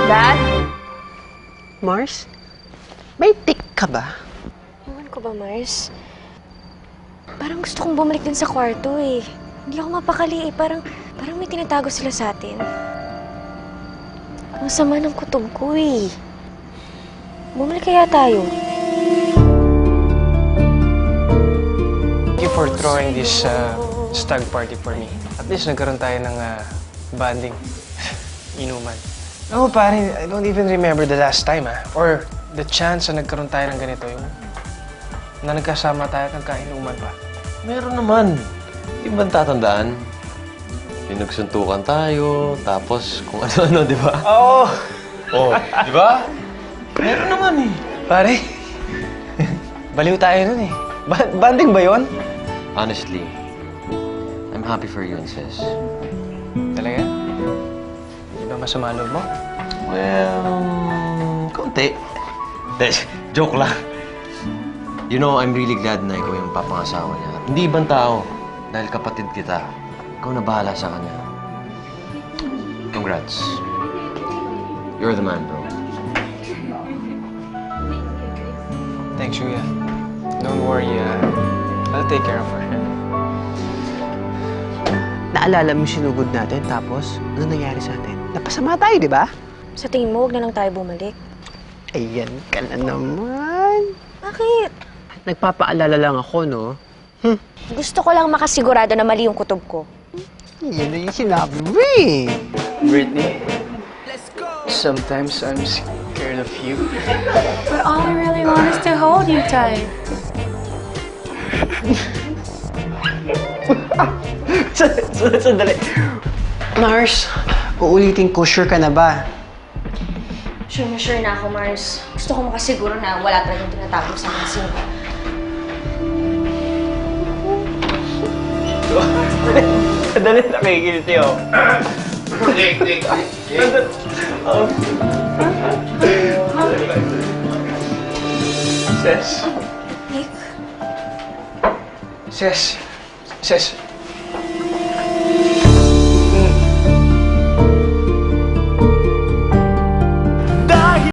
Dad? Mars? May tik ka ba? Ewan ko ba, Mars? Parang gusto kong bumalik din sa kwarto eh. Hindi ako mapakali eh. Parang may tinatago sila sa atin. Ang sama ng kutob ko eh. Bumalik kaya tayo. Thank you for throwing this stag party for me. At least nagkaroon tayo ng bonding. Inuman. No, pare, I don't even remember the last time, or the chance na nagkaroon tayo ng ganito, yung na nagkasama tayo at nagkainuman pa. Meron naman. Di ba tatandaan? Pinagsuntukan tayo, tapos kung ano-ano, di ba? Oo! Oh, di ba? Meron naman eh. Pare, baliw tayo nun eh. Banding ba yun? Honestly, I'm happy for you and sis. Talaga? Di ba masama loob mo? Well, konti. Joke lang. You know, I'm really glad na ikaw yung papangasawa niya. Hindi ibang tao. Dahil kapatid kita. Ikaw na bahala sa kanya. Congrats. You're the man, bro. Thanks, Julia. Don't worry, I'll take care of her. Naalala mo sinugod natin, tapos ano nangyari sa atin? Napasama tayo, di ba? Sa tingin mo, huwag na lang tayo bumalik. Ayan ka na naman. Bakit? Nagpapaalala lang ako, no? Gusto ko lang makasigurado na mali yung kutob ko. Yan na yung sinabi mo eh. Brittany, sometimes I'm scared of you. But all I really want is to hold you tight. Sandali. Mars, uulitin ko, sure ka na ba? Sure na ako, Mars. Gusto ko makasiguro na wala talagang tinatago sa akin. Sandali, nakikilit yun. Ses. Nick? Ses. Ses.